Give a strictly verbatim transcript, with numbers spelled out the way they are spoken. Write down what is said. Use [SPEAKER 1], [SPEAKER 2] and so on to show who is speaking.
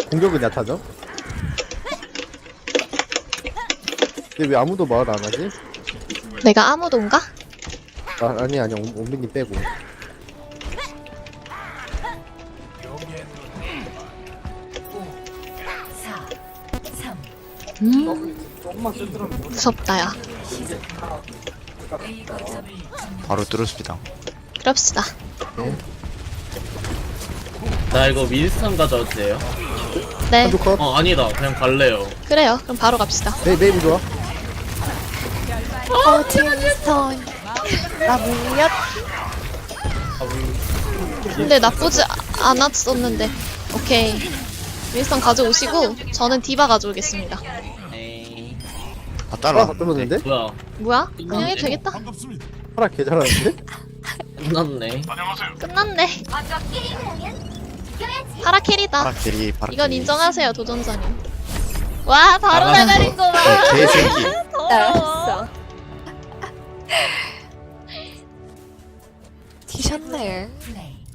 [SPEAKER 1] 공격은 약하죠? 근데 왜 아무도 말 안 하지?
[SPEAKER 2] 내가 아무도인가?
[SPEAKER 1] 아, 아니 아니 옴- 옴비님 빼고.
[SPEAKER 2] 음. 무섭다, 야.
[SPEAKER 3] 바로 뚫었습니다.
[SPEAKER 2] 그럽시다.
[SPEAKER 4] 나 이거 윈스턴 가져도 돼요?
[SPEAKER 2] 네,
[SPEAKER 1] 한조 컷.
[SPEAKER 4] 어 아니다 그냥 갈래요.
[SPEAKER 2] 그래요. 그럼 바로 갑시다.
[SPEAKER 1] 네, 메이브 좋아.
[SPEAKER 2] 어, 틴스턴. 나 물렸. 근데 나쁘지 아- 않았었는데. 오케이. 윈스턴 가져오시고, 저는 디바 가져오겠습니다.
[SPEAKER 4] 에이
[SPEAKER 3] 아
[SPEAKER 1] 아,
[SPEAKER 3] 따라.
[SPEAKER 1] 떨어졌는데?
[SPEAKER 4] 뭐야
[SPEAKER 2] 뭐야? 그냥 해도 되겠다.
[SPEAKER 1] 파라 개 잘하는데?
[SPEAKER 4] 끝났네.
[SPEAKER 2] 끝났네. 파라 캐리다.
[SPEAKER 3] 파라 캐리 파라.
[SPEAKER 2] 이건
[SPEAKER 3] 캐리.
[SPEAKER 2] 인정하세요, 도전자님. 와, 바로
[SPEAKER 4] 알았어.
[SPEAKER 2] 나가는 거 봐.
[SPEAKER 3] 어, 개새끼.
[SPEAKER 2] 더러워.
[SPEAKER 5] 티셨네.